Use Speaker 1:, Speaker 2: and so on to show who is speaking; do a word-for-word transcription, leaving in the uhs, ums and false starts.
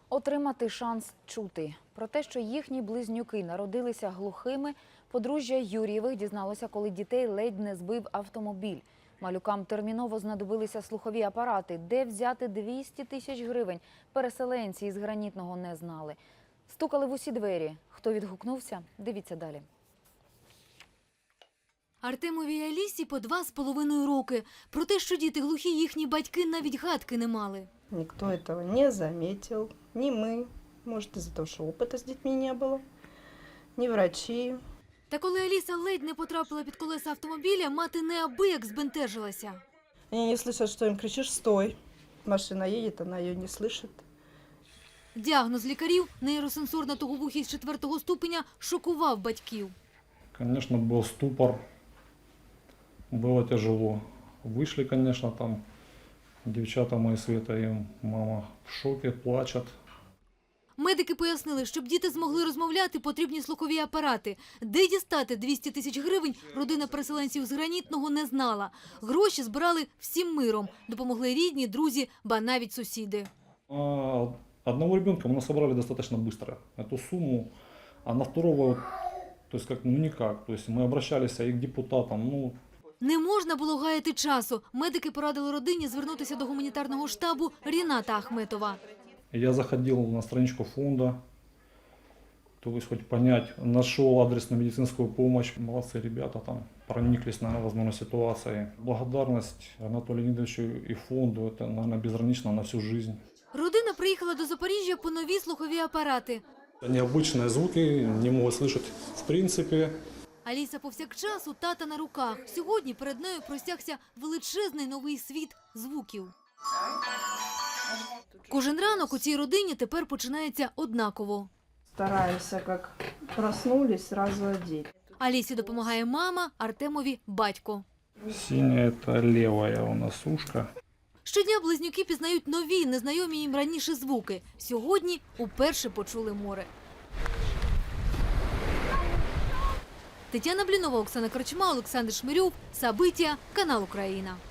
Speaker 1: Отримати шанс чути. Про те, що їхні близнюки народилися глухими, подружжя Юрієвих дізналося, коли дітей ледь не збив автомобіль. Малюкам терміново знадобилися слухові апарати. Де взяти двісті тисяч гривень? Переселенці із Гранітного не знали. Стукали в усі двері. Хто відгукнувся? Дивіться далі.
Speaker 2: Артемові і Алісі по два з половиною роки. Про те, що діти глухі, їхні батьки навіть гадки не мали.
Speaker 3: Никто этого не заметил, ни мы, может из-за того, что опыта с детьми не было, ни врачи.
Speaker 2: Та коли Аліса ледь не потрапила під колеса автомобіля, мати неабияк збентежилася.
Speaker 3: Они не слышат, что им кричишь «стой». Машина едет, она ее не слышит.
Speaker 2: Діагноз лікарів – нейросенсорна туговухість четвертого ступеня – шокував батьків.
Speaker 4: Конечно, был ступор, было тяжело. Вышли, конечно, там девчата мои, Света и мама в шоке, плачут.
Speaker 2: Медики пояснили, щоб діти змогли розмовляти, потрібні слухові апарати. Де дістати двісті тисяч гривень, родина переселенців з Гранітного не знала. Гроші збирали всім миром. Допомогли рідні, друзі, ба навіть сусіди.
Speaker 4: А одного ребенка мы насобрали достаточно быстро, эту сумму, а на второго, то есть как, ну никак. То есть мы обращались и к депутатам, ну...
Speaker 2: Не можна було гаяти часу. Медики порадили родині звернутися до гуманітарного штабу Ріната Ахметова.
Speaker 4: Я заходил на страничку фонда, то есть хоть понять, нашел адресную медицинскую помощь. Молодцы ребята там, прониклись на возможной ситуации. Благодарность Анатолию Леонидовичу и фонду, это, наверное, безгранично на всю жизнь.
Speaker 2: Родина приїхала до Запоріжжя по нові слухові апарати.
Speaker 4: Необычные звуки, не могут слышать в принципе.
Speaker 2: Аліса повсякчас у тата на руках. Сьогодні перед нею простягся величезний новий світ звуків. Кожен ранок у цій родині тепер починається однаково.
Speaker 3: Стараемся, как проснулись, сразу одеть.
Speaker 2: Алісі допомагає мама, Артемові – батько.
Speaker 4: Синяя – это левая у нас ушко.
Speaker 2: Щодня близнюки пізнають нові, незнайомі їм раніше звуки. Сьогодні уперше почули море. Тетяна Блінова, Оксана Корчма, Олександр Шмирьов, Сабиття, канал Україна.